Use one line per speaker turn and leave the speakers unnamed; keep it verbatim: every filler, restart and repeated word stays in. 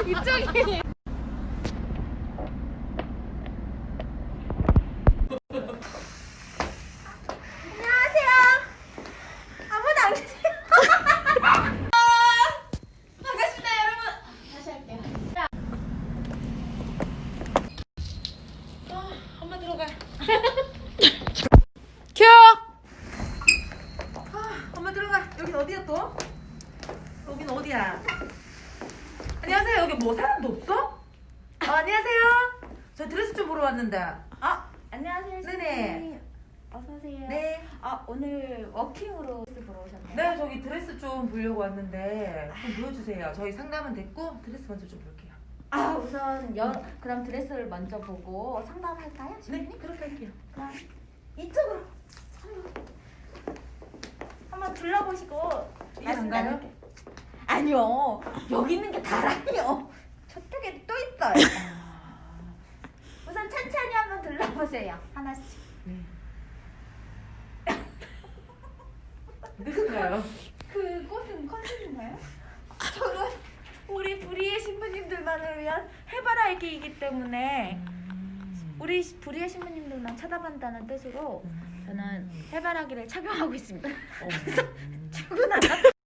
이쪽이. 안녕하세요. 아무도 안 계세요. 반갑습니다, 여러분. 다시 할게요. 자. 아, 엄마 들어가. 큐. 아, 엄마 들어가. 여긴 어디야 또? 여긴 어디야? 안녕하세요. 여기 뭐 사람도 없어? 어, 안녕하세요. 저 드레스 좀 보러 왔는데.
아, 안녕하세요.
네네.
선생님. 어서 오세요.
네.
아, 오늘 워킹으로 보러 오셨나요?
네, 저기 드레스 좀 보려고 왔는데 좀 보여주세요. 저희 상담은 됐고 드레스 먼저 좀 볼게요.
아, 우선 여, 그럼 드레스를 먼저 보고 상담할까요?
네,
신부님?
그렇게 할게요.
그럼 이쪽으로 한번 둘러보시고
이게
말씀
안 가요?
나눌게요. 아니요, 여기 있는 게 다라니요. 저쪽에 또 있어요. 우선 천천히 한번 둘러보세요. 하나씩.
네. 늦은가요?
그곳은 컨셉인가요? 저는 우리 불의의 신부님들만을 위한 해바라기이기 때문에 우리 불의의 신부님들만 쳐다본다는 뜻으로 저는 해바라기를 착용하고 있습니다. 그래서 출근하다